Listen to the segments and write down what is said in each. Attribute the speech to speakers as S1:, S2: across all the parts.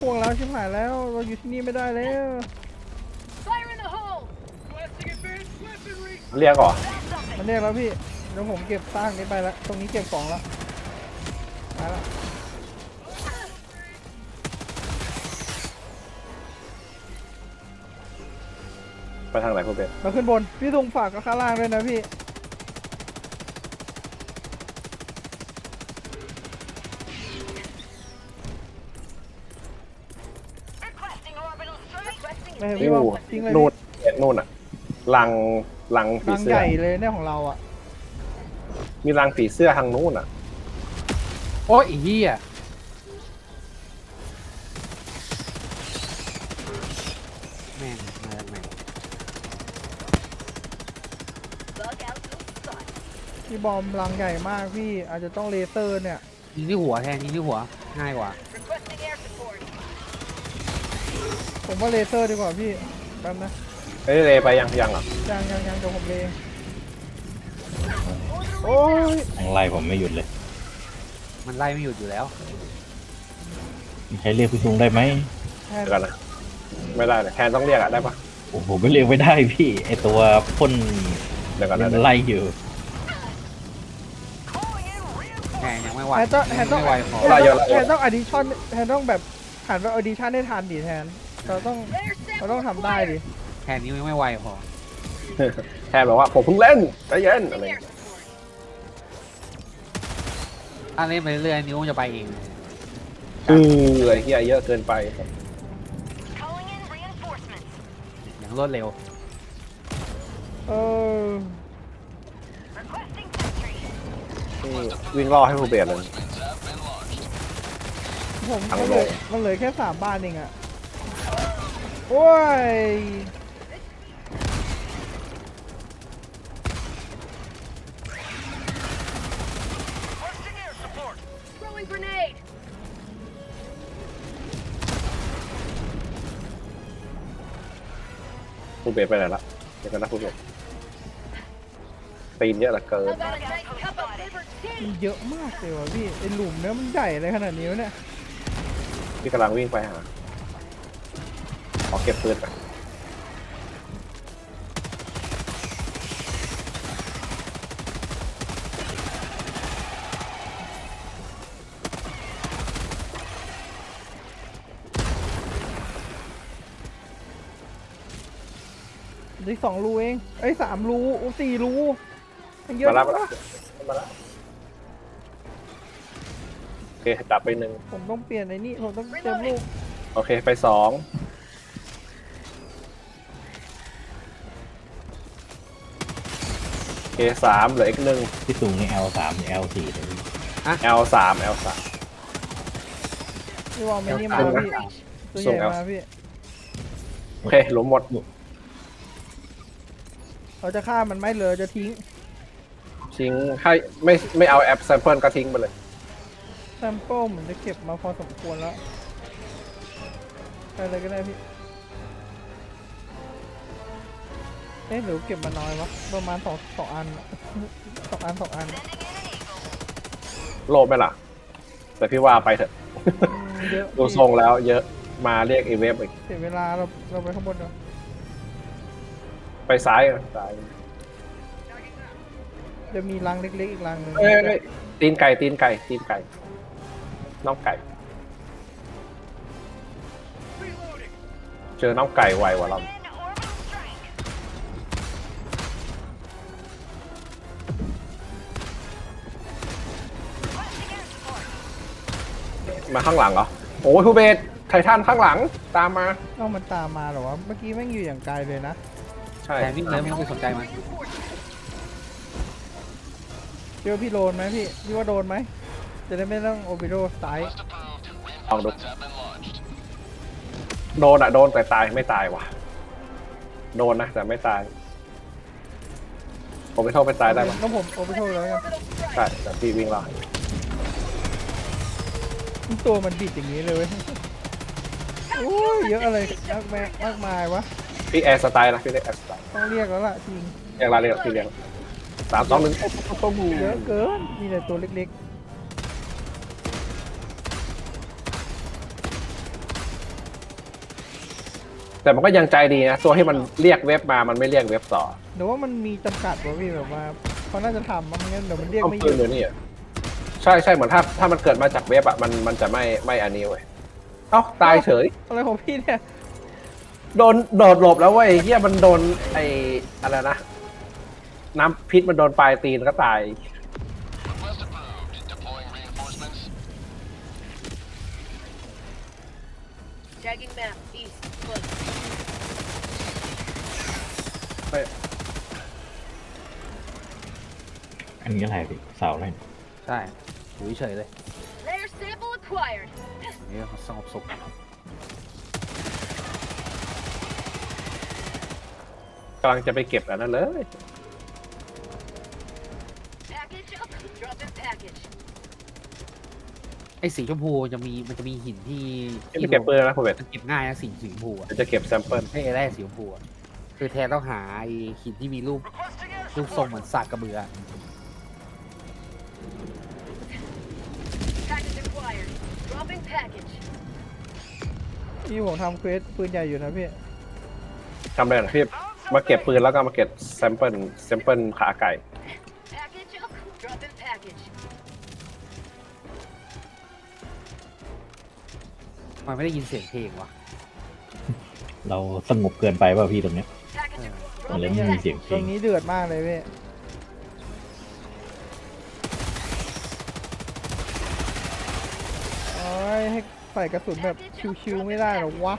S1: พวกเราชิบหายแล้วเราอยู่ที่นี่ไม่ได้แล้ว
S2: เรียกก่อน
S1: มันเรียกแล้วพี่เดี๋ยวผมเก็บสร้างนี้ไปแล้วตรงนี้เก็บของแล้วมาแล้ว
S2: ไปทางไหนคุณเป็ด
S1: มาขึ้นบนพี่ตุงฝากกับข้างล่างด้วยนะพี่ไม่เห็นพี่ว่าทิ้งเลย
S2: นู่นนู่นอ่ะลังผี
S1: รัง
S2: เสื้
S1: ให
S2: อ
S1: ญ่เลยเนี่ยของเราอ่ะ
S2: มีรังผีเสื้อทางนู้นอ่ะ
S3: โอ้ยอีเหี้ยแม่งมาจากไหน
S1: พี่บอมรังใหญ่มากพี่อาจจะต้องเลเซอร์เนี่ย
S3: ยิงที่หัวแทนยิงที่หัวง่ายกว่า
S1: ผมว่าเลเซอร์ดีกว่าพี่แป๊บนะ
S2: เอ้ยเลไปยังอ่ะ
S1: ยังเดี๋ยวผมเลงโอ้ย
S4: ยังไล่ผมไม่หยุดเลย
S3: มันไล่ไม่หยุดอยู่แล้ว
S4: ใช้เรียกพี่ซุงได้ไหม
S1: แทน
S2: เดี๋ยวกันนะไม่ได้เลยแทนต้องเรียกอ่ะได้ปะ
S4: โอ้โหไม่เรียกไม่ได้พี่ไอตัวพ่น
S2: เดี๋ยวกัน
S4: ยั
S2: นะ
S4: งไล่อยู่
S3: แหมยังไม่ไหว
S1: แทนต้อง
S3: ยังไม่ไหวพอ
S1: แทนต้องอดิชั่นแทนต้องแบบหันไปอดิชั่นให้ทันดิแทนเราต้องทำได้ดิ
S3: แทนนี้ยังไม่ไหวพอ
S2: แทนบอกว่าผมเพิ่งเล่นใจเย็นอะไรอย่างเงี้ย
S3: ถ้าเล่นไปเรื่อยๆนิ้วมันจะไปเอง
S2: ไอ้เหี้ยเยอะเกินไป
S3: อย่างรวดเร็ว
S1: เออ
S2: นี่วิ่งล่อให้ผู้เบียดเลย
S1: ผม
S2: ทั้ง
S1: มัน
S2: โล
S1: เหล
S2: ก
S1: ยมันเหลือแค่3 บ้านเองอะโอ้ย
S2: ผู้เบียดไปไหนละเดี๋ยวกันนะผู้เบียดตีนเยอะเหลือเกิน
S1: มันเยอะมากเลยว่ะพี่ไอหลุมเนี้ยมันใหญ่เลยขนาดนี้วะเนี่ย
S2: พี่กำลังวิ่งไปหาขอเก็บปืนก่อน
S1: ได้2 รูเองไอ้ย3 รูโอ้4 รูมันเยอะ
S2: มาแล้ว
S1: มาก
S2: มาแล้วโอเคจับไปหนึ่ง
S1: ผมต้องเปลี่ยนไอ้นี่ผมต้องเติมลูก
S2: โอเคไปสองโอเค3เหลืออีกหนึ่ง
S4: พี่ซุงนี่ L3 นี่ L4 เลยพี่
S2: L3
S1: พี่วอลไม่นี่มาแล้วพี่ตัวใหญ่มาพี่
S2: โอเคหลุมหมด
S1: เราจะฆ่ามันไหมเหลือจะทิ้ง
S2: ทิ้งให้ไม่เอาแอปแซมเปิลก็ทิ้งไปเลย
S1: แซมเปิลเหมือนจะเก็บมาพอสมควรแล้วไปเลยก็ได้พี่เอ๊ะหรือเก็บมาน้อยวะประมาณสองอันอะสองอัน
S2: โลภไหมล่ะ แต่พี่ว่าไปเถอะ
S1: เยอะ
S2: ดูทรงแล้วเยอะมาเรียกอีเวฟอีก
S1: เสียเวลาเราไปข้างบนเนาะ
S2: ไปซ้ายนะซ้าย
S1: จะมีรังเล็กๆอีกรังหนึ่ง
S2: เอ้ยตีนไก่น้องไก่ เจอน้องไก่ไวกว่าเรามาข้างหลังเหรอโอ้ยทูเบสไททันข้างหลังตามมา
S1: เอ้ามันตามมาเหรอวะเมื่อกี้แม่งอยู่อย่างไกลเลยนะ
S2: ใช่
S3: แทนวิ่งเลยไม่ต้องไปสนใจมัน
S1: เจอพี่โดนไหมพี่ว่าโดนไหมจะได้ไม่ต้องโอปิโดสาย
S2: ลองดูโดนโดนแต่ตายไม่ตายว่ะโดนนะแต่ไม่ตายผมไม่โทษไปตายได้ปะ
S1: ต้องผมโอปิโดแล้วกัน
S2: ใช่แต่พี่วิ่งรอด
S1: ตัวมันบิดอย่างนี้เลยเว้ยโอ้ยเยอะอะไรมากมายวะ
S2: พี่แอร์สไตล์นะพี่เรียกแอร์สไตล์
S1: ต้องเรียกแล้วล่ะจริง
S2: เรียกอะไรเรียกพี่เรียก3 2 1
S1: เยอะเกินมีแต่ตัวเล็ก
S2: แต่มันก็ยังใจดีนะตัวที่มันเรียกเว็บมามันไม่เรียกเว็บต่อ
S1: หรือว่ามันมีจำกัดวะพี่แบบว่าเขาน่าจะทำมันงั้นเดี๋ยวมันเรียก
S2: ต้อง
S1: ไม่ห
S2: ปื
S1: ยุ
S2: น
S1: ด
S2: เดี๋ยวนี้อะใช่ใช่เหมือนถ้ามันเกิดมาจากเว็บอ่ะมันจะไม่อันนี้เว้ยเอ้าตายเฉย
S1: อะไรของพี่เนี่ย
S2: โดนโดดหลบแล้วเว้ยเฮียมันโดนไอ้อะไรนะน้ำพิษมันโดนปลายตีนก็ตาย
S5: Tagging map, east, close.
S2: ไม่
S4: อันนี้อะไรพี่เสาอะไรเนี่ย
S3: ใช่อยู่เฉยๆเลย
S5: Layer sample acquired.
S3: นี่สงบสุข
S2: กำลังจะไปเก็บอันนั้นเลย
S5: Package up. Drop in package.
S3: ไอ้สีชมพูมันจะมีหินที่
S2: ไม่เก็บปืนนะคุณเวท
S3: มันเก็บง่ายนะสีชมพูอะ
S2: เดี๋ยวจะเก็บแซมเปิล
S3: ให้แร่สีชมพูอะคือแทนต้องหาไอ้หินที่มีรูปทรงเหมือนสากกระเบือ
S5: Package acquired. Dropping package.
S1: พี่ผมทำเควสปืนใหญ่อยู่นะพี่
S2: ทำอะไรนะพี่มาเก็บปืนแล้วก็มาเก็บแซมเปิลขาไก่
S5: Package up. Drop in package.
S3: มันไม่ได้ยินเสียงเพลงวะ
S4: เราสงบเกินไปป่ะพี่ตรงเนี้ย
S5: Package up.
S4: มันเลย
S5: Dropping
S4: ไม่มี
S5: package.
S4: เสียงเพ
S1: ต
S4: ล
S1: รง งนี้เดือดมากเลยพี่โอ้ยให้ใส่กระสุนแบบชิวๆไม่ได้หรอวะ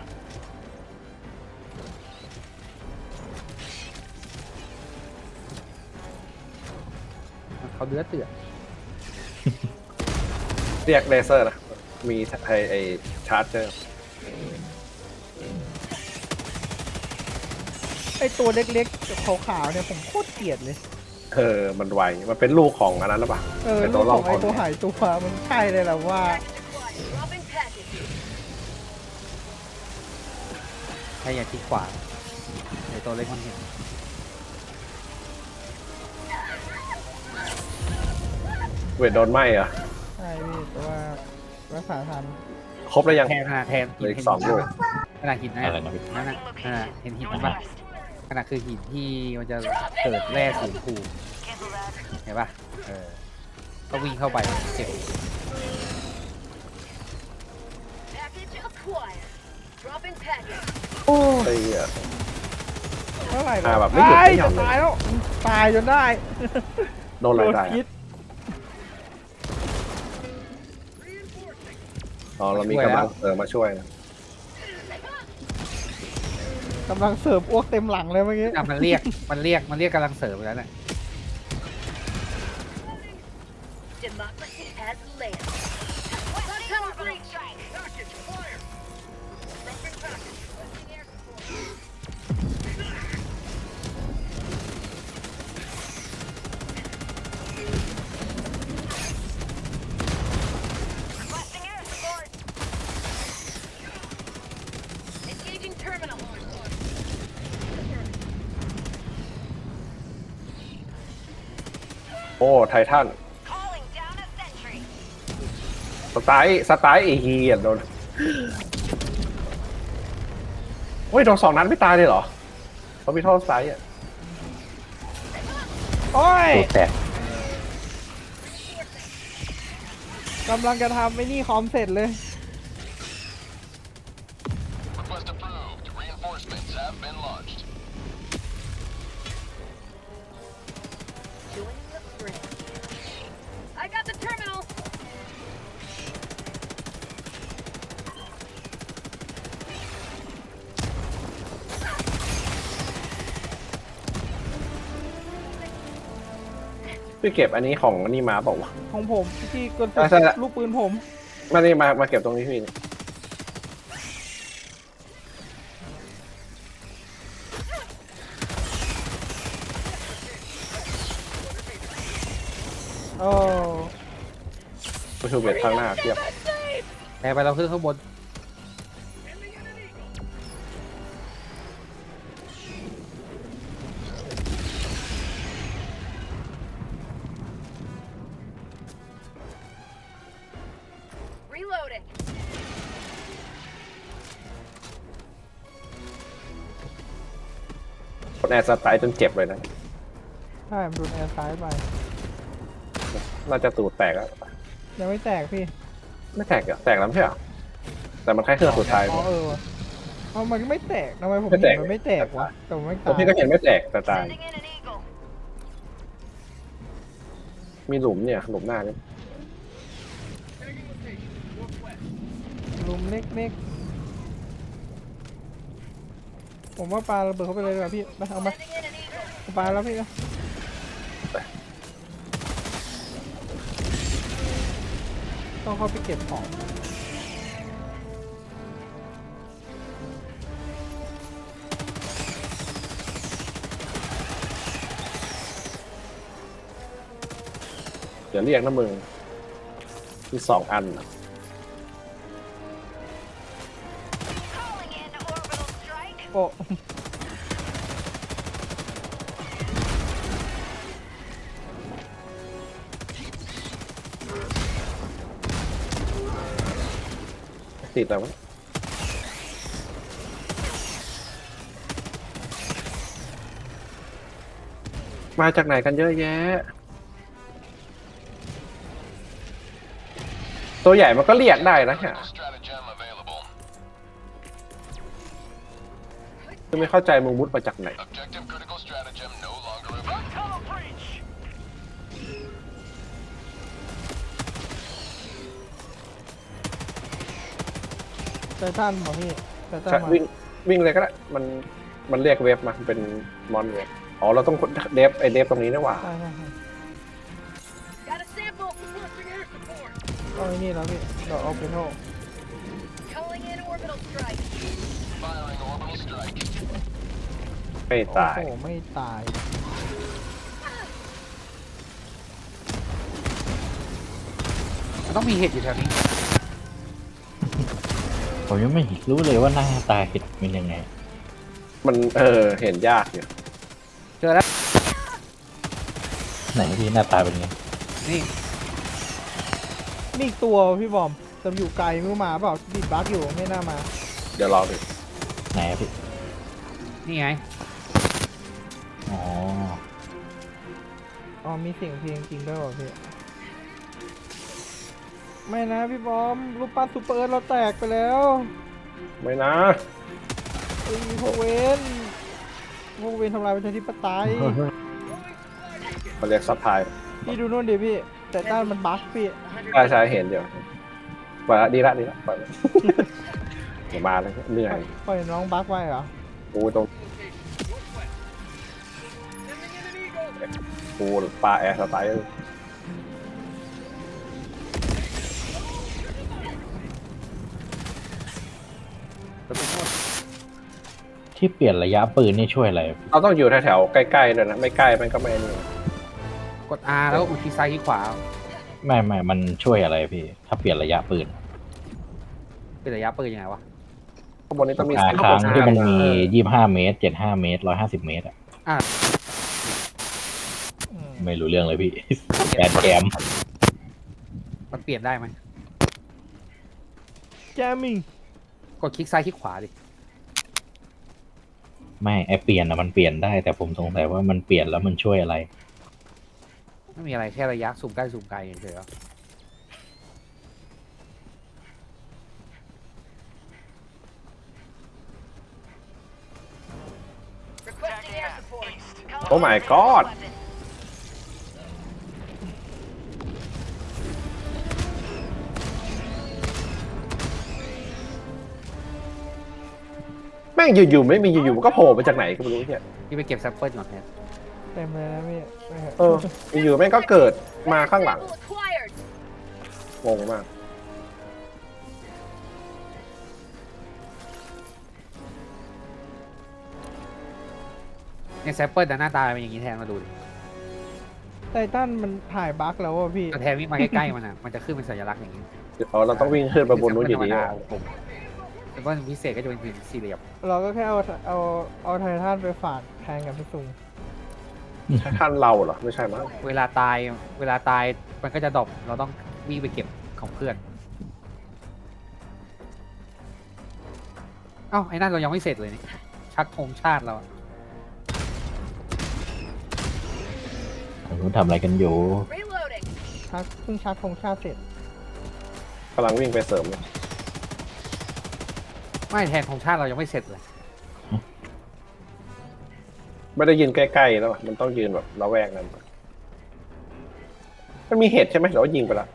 S3: เขาเดือดเตือน
S2: เรียกเลเซอร์นะมีไอชาร์จเจอร์
S1: ไอตัวเล็กๆขาวๆเนี่ยผมโคตรเกลียดเลย
S2: มันไวมันเป็นลูกของอันนั้นหรือเปล่า
S1: เออ
S2: ไอ้
S1: ลู
S2: ตัว
S1: ก
S2: ล่
S1: ข
S2: อ
S1: อง ง
S2: ค
S1: ไอน ตัวหายตัวมันใช่เลยแหละว่า
S5: Package acquired. Dropping package.
S3: ให้อย่าที่ขวาไอ้ตัวเล็กมันเห็น
S2: เวทโดนไหมเหรอ
S1: ใช่พี่แต่ว่ารักษาทัน
S2: ครบแล้วยัง
S3: แทนแทน
S2: เหลืออีก
S3: เห็น
S2: สองลูก
S3: ขนาดหินนะ
S4: อะไรนะพี่
S3: นั่นน่ะเห็นหินมันปะขนาดคือหินที่มันจะเกิดแร่สีชมพูเห็นปะก็วิ่งเข้าไปเก็บ
S5: Package acquired. Dropping package.
S2: ไอ้เหี้ย
S1: เท่าไหร่
S2: แบบไม่หยุดไม่หย่อน
S1: จะ
S2: เลย
S1: ตายแล้วตายจนได้
S2: โดนอะไรได้
S1: พิษ
S2: อ๋อเรามีกำลังมาช่วยนะ
S1: กำลังเสิร์ฟอ้วกเต็มหลังเลยเมื่อกี้
S3: อ่ะมันเรียกกำลังเสริมไปแล้วแหละ
S5: Democracy has landed. Tunnel breach. Package fire. Dropping package. Requesting air support. Requesting air support. Engaging terminal.
S2: โอ้ไททัน
S5: Calling down a sentry.
S2: สไตล์ไอ้เฮียโดนโอ้ยโดน2 นัดไม่ตายเลยเหรอเขามีท่อสไตล์อ่ะ
S1: โอ้ย
S4: ตัวแตก
S1: กำลังจะทำไอ้นี่คอมเสร็จเลย
S6: Request approved. Reinforcements have been launched.
S5: Joining the fray. I got the terminal.
S2: ๆพี่เก็บอันนี้ของอันนี้มาบอกว่าว
S1: ของผมที่กระ
S2: ใช่ละ
S1: ลูกปืนผม
S2: ะนี่มาเก็บตรงนี้พี่
S1: โอ้
S2: ผู้ชูเบียดข้างหน้าเทียบ
S3: แต่ไปเราขึ้นข้างบน
S5: Reloading.
S2: คนแอร์สไตล์จนเจ็บเลยนะ
S1: ใช่มันโดนแอร์ซ้ายไป
S2: น่าจะตูดแตกแล้ว
S1: ยังไม่แตกพี่
S2: ไม่แตกเหรอแตกแล้วไม่ใช่เหรอแต่มันแค่เครื่องสุดท้าย
S1: อ๋อว่ะเอามันไม่แตกทำไมผม
S2: ไม่แต
S1: เห็
S2: ก
S1: นมันไม่แตกวะแต่มันไม่
S2: ผ
S1: ตาม
S2: พี่ก็
S1: ย
S2: เห็นไม่แตกแต่ตาย
S5: Sending in an eagle.
S2: มีหลุมเนี่ยหลุมหน้าเนี่ย
S1: ลุมเล็กๆผมว่าปลาระเบิดเข้าไปเลยดีกว่าพี่ไปเอามา
S5: Sending in an eagle.
S1: ปลาแล้วพี่นะต้องเข้าไปเก็บของ
S2: เดี๋ยวเรียกนะมึงมี2 อันน่ะ
S5: Calling in orbital strike.
S1: โอ้
S2: ติดแล้ววะมาจากไหนกันเยอะแยะ ตัวใหญ่มันก็เรียกได้นะฮะ
S6: Critical stratagem available.
S2: คือไม่เข้าใจมึงมุดมาจากไหน
S6: Objective critical stratagem no longer available.
S1: ไททันบอกพี่ไททัน
S2: ใช่
S1: มา
S2: วิ่งเลยก็ได้มันเรียกเว็บมาเป็นมอนเว็บอ๋อเราต้องเดฟไอเดฟตรงนี้นะว่า
S1: ใช่ใช่ใช่
S5: Got a sample. Requesting air support.
S1: เอาไอ้นี่แล้วพี่เดี๋ยวเอาไปโทษ
S5: Calling in orbital strike.
S6: Firing orbital strike.
S2: ไม่
S1: โอ้
S2: ตาย
S1: โหไม่ตาย
S3: มันต้องมีเห็ดอยู่แถวนี้
S4: ผมยังไม่รู้เลยว่าหน้าตาเห็ดเป็นยังไง
S2: มันเห็นยากอยู่
S3: เจอแล้ว
S4: ไหนพี่หน้าตาเป็นไง
S3: นี่
S1: นี่อีกตัวพี่บอมแต่อยู่ไกลไม่รู้มาเปล่าดิดบั๊กอยู่ไม่น่ามา
S2: เดี๋ยวรอดู
S4: ไหนอะพี่
S3: นี่ไง
S4: อ๋อ
S1: อ๋อมีเสียงเพลงจริงด้วยเหรอพี่ไม่นะพี่บอมรูปปั้นซูเปอร์เอิร์ธเราแตกไปแล้ว
S2: ไม่นะ
S1: ไอ้พวกเวนทำลายประชาธิปไตย
S2: มันเรียกซับไทย
S1: พี่ดูนู่นดิพี่ แต่ด้านมันบั๊กพี่
S2: ใช่เห็นเดี๋ยวปล่อยละดีละปล่อยละ อย่ามาเลยเหนื่อย
S1: ปล่อยน้องบั๊กไว้เหรอ
S2: กูตรงกูปลาแอร์สไตล์
S4: ที่เปลี่ยนระยะปืนนี่ช่วยอะไรพี่
S2: เราต้องอยู่แถวๆใกล้ๆด้วยนะไม่ใกล้มันก็ไม่นี่
S3: กด R แล้วอุดที่ซ้ายที่ขวา
S4: ไม่มันช่วยอะไรพี่ ถ้าเปลี่ยนระยะปืน
S3: เป็นระยะปืนยังไงวะ
S2: ข้างบนนี้ต้องมี
S4: ครั้งที่มันมี25 เมตร75 เมตร150 เมตรอะ
S1: อืม
S4: ไม่รู้เรื่องเลยพี่ แกม
S3: มันเปลี่ยนได้ไหม
S1: แจมิง
S3: กดคลิกซ้ายคลิกขวาดิ
S4: ไม่ไอเปลี่ยนอะมันเปลี่ยนได้ แต่ผมสงสัยว่ามันเปลี่ยนแล้วมันช่วยอะไร
S3: ไม่มีอะไรแค่ระยะซูมใกล้ซูมไกลเฉยๆหรอ
S5: Requesting air support.
S2: โอ้ my god
S5: Weapon.
S2: แม่งอยู่ๆไม่มีอยู่ๆมันก็โผล่มาจากไหนก็ไม่รู้เนี่ย
S3: พี่ไปเก็บแซมเปิลก่อนแทน
S1: เต็มเลยนะพี่ไม่เห็น
S2: อยู่ๆแม่งก็เกิดมาข้างหลัง
S5: Sample acquired.
S2: งงมาก
S3: เนี่ยแซมเปิลแต่หน้าตาเป็นอย่างนี้แทนมาดูดิ
S1: ไททันมันถ่ายบั๊กแล้วอ่ะพี่
S3: แต่แทนวิ่งมาใกล้ๆมันอ่ะ มันจะขึ้นเป็นสัญลักษณ์อย่างนี้
S2: เราต้องวิ่งขึ้นไปบนนู้นอยู่ดี
S3: แซมเปิลพิเศษก็จะเป็นสี่เหลี่ยม
S1: เราก็แค่เอาไททันไปฝากแทนกับพี่ซุง
S2: ท่านเราเหรอไม่ใช่มั้ง
S3: เวลาตายมันก็จะดรอปเราต้องวิ่งไปเก็บของเพื่อน เอ้าไอ้นั่นเรายังไม่เสร็จเลยนี่ชักธงชาติเราอะ
S4: นู้นทำอะไรกันอยู่
S5: Reloading.
S1: เพิ่งชาร์จธงชาติเสร็จ
S2: กำลังวิ่งไปเสริมเลย
S3: ไม่แทนของชาติเรายังไม่เสร็จเลย
S2: ไม่ได้ยืนใกล้ๆแล้วอะมันต้องยืนแบบระแวกนั้นมันมีเหตุใช่ไหมหรือว่ายิงไปละ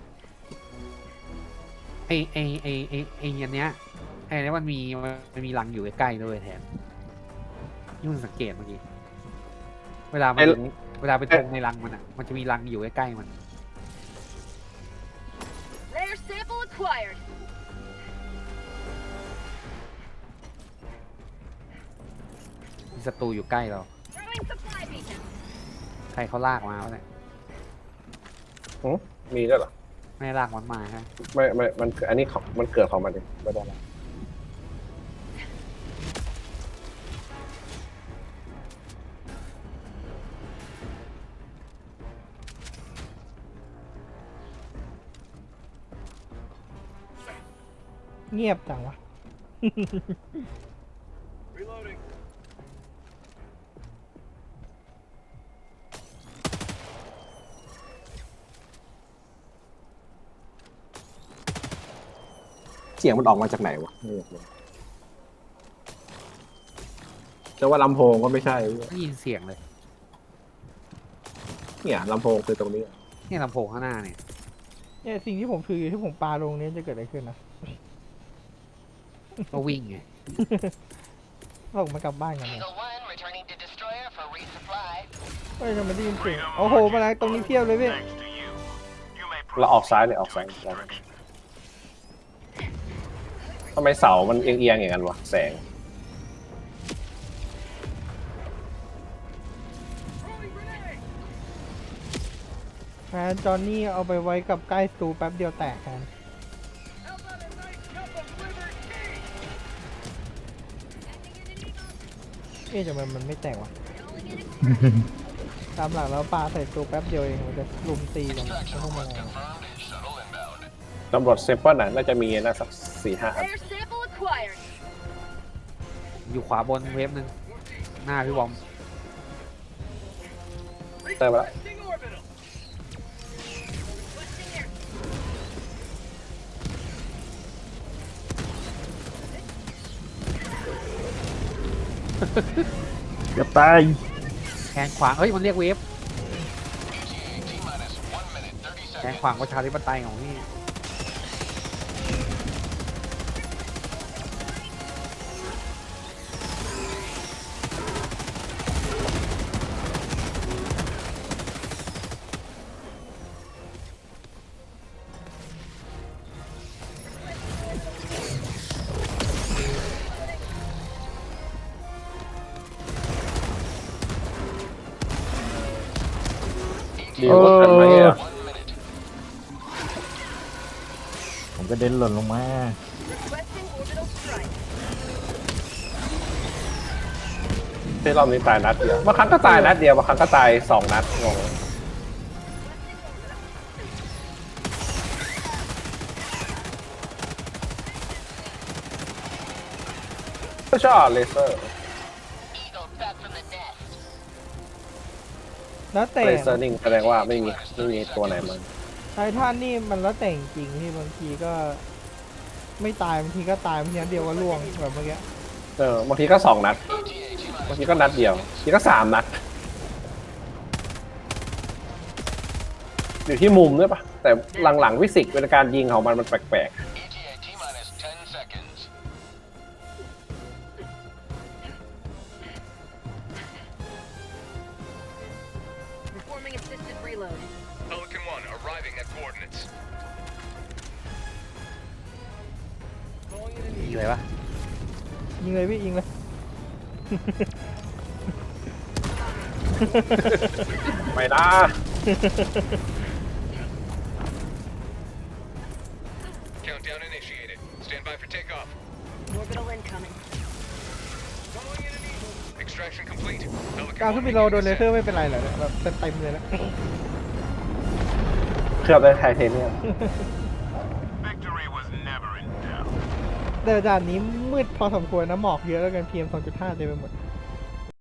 S3: ไออันเนี้ยไอเนี้ยมันมีรังอยู่ใกล้ๆด้วยแทนยุ่งสังเกตเมื่อกี้เวลาไปตรงในรังมันอ่ะมันจะมีรังอยู่ใกล้ๆมัน
S5: Rare sample acquired.
S3: มีศัตรูอยู่ใกล้เรา
S5: Throwing supply beacon.
S3: ใครเขาลากมาวะเนี่ย
S2: มีด้วยเหรอ
S3: ไม่ได้ลากมันมาฮะ
S2: ไม่มันคืออันนี้ของมันเกิดของมันเองไม่ได้ละ
S1: เงียบจังวะ
S2: เสียงมันออกมาจากไหนวะจะว่าลำโพงก็ไม่ใช่
S3: ไม่ยินเสียงเลย
S2: เนี่ยลำโพงคือตรงนี้
S3: เนี่ยลำโพงข้างหน้าเนี่ย
S1: เนี่ยสิ่งที่ผมถืออยู่ที่ผมปาลงนี้จะเกิดอะไรขึ้นนะ
S3: ก็วิ่งไง
S1: ส่งมากลับบ้านกันเนี่ย
S6: Eagle 1 returning to destroyer for resupply.
S1: เฮ้ยทำไมได้ยินเสียงโอ้โหมาแล้วตรงนี้เพียบเลยพี่
S2: เราออกซ้ายเลยออกซ้ายทำไมเสามันเอียงๆอย่างนั้นวะแสง
S1: แฟนจอห์นนี่เอาไปไว้กับใกล้สตูแป๊บเดียวแตกกัน เอ๊ะทำไมมันไม่แตกวะ ตามหลักแล้วปลาใส่ตัวแป๊บเดียวเองมันจะลุมตีกันไม่ต้องมาอะไร
S6: Shuttle inbound.
S2: ตำรวจเซมเปิลน่ะน่าจะมีนะสัก4-5 อัน
S5: Rare sample acquired.
S3: อยู่ขวาบนเวฟหนึ่งหน้าพี่บอม
S2: เติมมาแล้ว
S5: Requesting air.
S4: เกือบตาย
S3: แทงขวางเฮ้ยมันเรียกเวฟ
S6: T minus 1 minute 30
S3: แทง
S6: seconds.
S3: ขวางประชาธิปไตยของพี่
S2: ดีกว่ากันไหมอ่ะ
S6: 1 minute.
S4: ผมก็เด็นหล่นลงมา
S5: Requesting orbital strike.
S2: ที่รอบนี้ตายนัดเดียวบางครั้งก็ตายนัดเดียวบางครั้งก็ตาย2 นัดงงก็ชอบเลเซอร์
S6: Eagle back from the nest.
S1: แล้วแต่
S2: เลเซอร์นิ่งแสดงว่าไม่มีตัวไหนมัน
S1: ไททันนี่มันแล้วแต่จริงๆที่บางทีก็ไม่ตายบางทีก็ตายบางทีนัดเดียวก็ล่วงแบบเมื่อกี้
S2: บางทีก็2 นัด บางทีก็นัดเดียวบางทีก็3 นัด อยู่ที่มุมด้วยปะแต่หลังๆวิสิกเป็นการยิงของมันแปลก
S6: ETA T minus 10 seconds.
S5: Performing assisted reload.
S6: Pelican 1 arriving at coordinates.
S3: ยิงเลยปะ
S1: ยิงเลยพี่ยิงเลย
S2: ๆ ไม่นะ
S6: Countdown initiated. Stand by for takeoff.
S5: Orbital incoming.
S6: Extraction complete.
S1: การ
S6: Pelican
S1: ขึ้น
S6: 1
S1: บิโลโดนเลเซอร์ไม่เป็นไรเหรอเนี่ยแบบเต็มเลยนะ
S2: เคลือบด้วยไทเทเนียม
S6: Victory was never in doubt.
S1: แต่ด่านนี้มืดพอสมควรนะหมอกเยอะแล้วกัน PM 2.5เต็มไปหมด